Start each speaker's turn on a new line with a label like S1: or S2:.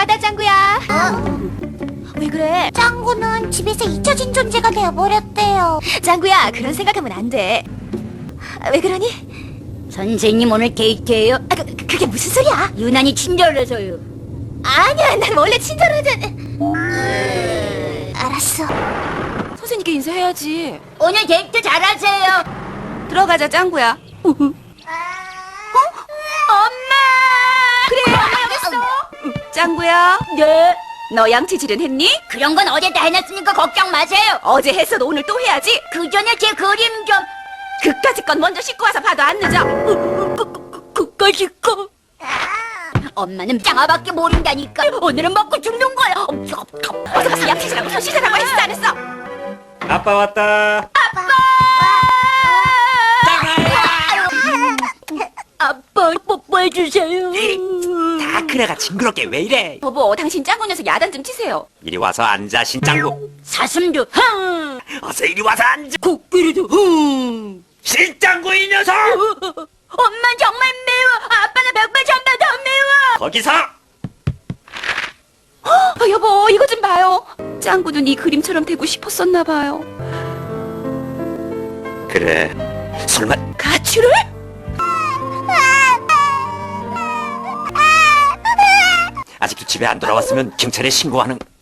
S1: 받아, 짱구야. 왜 그래?
S2: 짱구는 집에서 잊혀진 존재가 되어버렸대요.
S1: 짱구야, 그런 생각하면 안 돼. 왜 그러니?
S2: 선생님 오늘 데이트예요?
S1: 그게 무슨 소리야?
S2: 유난히 친절해서요.
S1: 아니야, 난 원래 친절하잖아.
S2: 알았어.
S1: 선생님께 인사해야지.
S2: 오늘 데이트 잘하세요.
S1: 들어가자, 짱구야. 엄마! 그래, 엄마 여기 있어. 짱구야,
S2: 네.
S1: 너 양치질은 했니?
S2: 그런 건 어제 다 해놨으니까 걱정 마세요.
S1: 어제 했어도 오늘 또 해야지.
S2: 그 전에 제 그림 좀.
S1: 그까짓 건 먼저 씻고 와서 봐도 안 늦어.
S2: 그까짓 거. 엄마는 짱아밖에 모른다니까. 오늘은 먹고 죽는 거야.
S1: 어서 가서 양치질하고 손 씻으라고 했어, 안 했어?
S3: 아빠 왔다.
S2: 아빠 뽀뽀해주세요.
S3: 다 큰애가 징그럽게 왜 이래?
S1: 여보, 당신 짱구 녀석 야단 좀 치세요.
S3: 이리 와서 앉아 신짱구.
S2: 사슴도 흥.
S3: 어서 이리 와서 앉아.
S2: 코끼리도 흥.
S3: 신짱구 이 녀석.
S2: 엄마 정말 매워. 아빠는 100배 전배 더 매워.
S3: 거기서.
S1: 여보, 이거 좀 봐요. 짱구도 네 그림처럼 되고 싶었었나 봐요.
S3: 그래. 설마
S1: 가출을?
S3: 아직도 집에 안 돌아왔으면 경찰에 신고하는.